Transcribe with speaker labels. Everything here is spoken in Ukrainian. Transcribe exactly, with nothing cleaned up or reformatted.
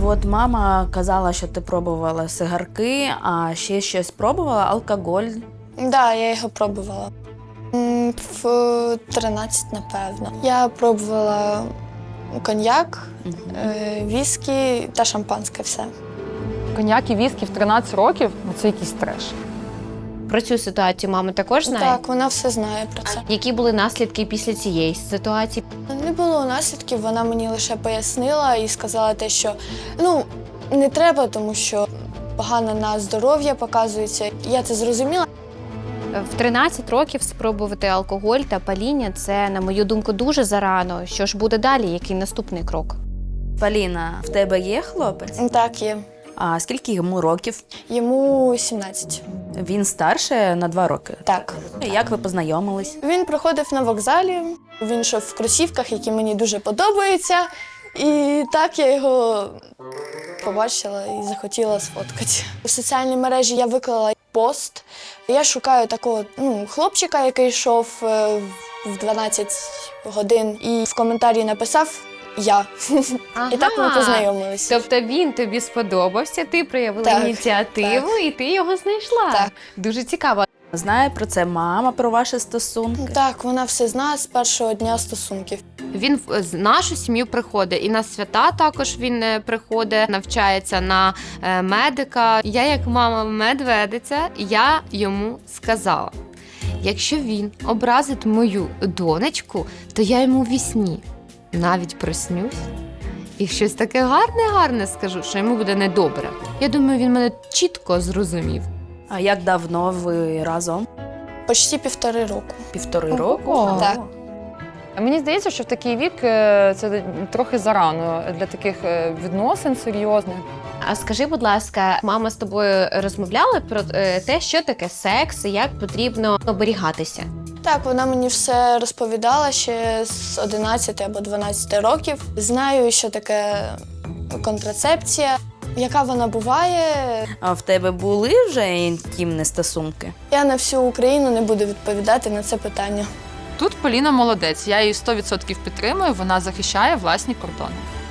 Speaker 1: От мама казала, що ти пробувала сигарки, а ще щось пробувала, алкоголь.
Speaker 2: Так, да, я його пробувала. М, В тринадцять, напевно. Я пробувала коньяк, е, віскі та шампанське все.
Speaker 3: Коньяк і віскі в тринадцять років ну, це якийсь треш.
Speaker 4: Про цю ситуацію мама також знає?
Speaker 2: Так, вона все знає про це.
Speaker 4: Які були наслідки після цієї ситуації?
Speaker 2: Не було наслідків, вона мені лише пояснила і сказала те, що ну, не треба, тому що погано на здоров'я показується. Я це зрозуміла.
Speaker 4: В тринадцять років спробувати алкоголь та паління – це, на мою думку, дуже зарано. Що ж буде далі? Який наступний крок?
Speaker 1: Поліна, в тебе є хлопець?
Speaker 2: Так, є.
Speaker 1: А скільки йому років?
Speaker 2: Йому сімнадцять.
Speaker 1: Він старше на два роки.
Speaker 2: Так.
Speaker 1: Як ви познайомились?
Speaker 2: Він приходив на вокзалі, він йшов в кросівках, які мені дуже подобаються. І так я його побачила і захотіла сфоткати. В соціальній мережі я виклала пост. Я шукаю такого ну, хлопчика, який йшов е, в дванадцять годин, і в коментарі написав «Я».
Speaker 4: Ага.
Speaker 2: І так ми познайомилися.
Speaker 4: Тобто він тобі сподобався, ти проявила
Speaker 2: Так,
Speaker 4: ініціативу
Speaker 2: так.
Speaker 4: і ти його знайшла.
Speaker 2: Так.
Speaker 4: Дуже цікаво.
Speaker 1: Знає про це мама, про ваші стосунки?
Speaker 2: Так, вона все знає з першого дня стосунків.
Speaker 4: Він в з нашу сім'ю приходить, і на свята також він е, приходить, навчається на е, медика. Я, як мама медведиця, я йому сказала, якщо він образить мою донечку, то я йому в вісні навіть проснюсь і щось таке гарне-гарне скажу, що йому буде недобре. Я думаю, він мене чітко зрозумів.
Speaker 1: А як давно ви разом?
Speaker 2: Почти півтори року.
Speaker 1: Півтори року?
Speaker 3: Ого.
Speaker 2: Так.
Speaker 3: Мені здається, що в такий вік е, це трохи зарано для таких е, відносин серйозних.
Speaker 4: А скажи, будь ласка, мама з тобою розмовляла про е, те, що таке секс і як потрібно оберігатися?
Speaker 2: Так, вона мені все розповідала ще з одинадцяти або дванадцяти років. Знаю, що таке контрацепція, яка вона буває.
Speaker 1: А в тебе були вже інтимні стосунки?
Speaker 2: Я на всю Україну не буду відповідати на це питання.
Speaker 5: Тут Поліна молодець, я її сто відсотків підтримую, вона захищає власні кордони.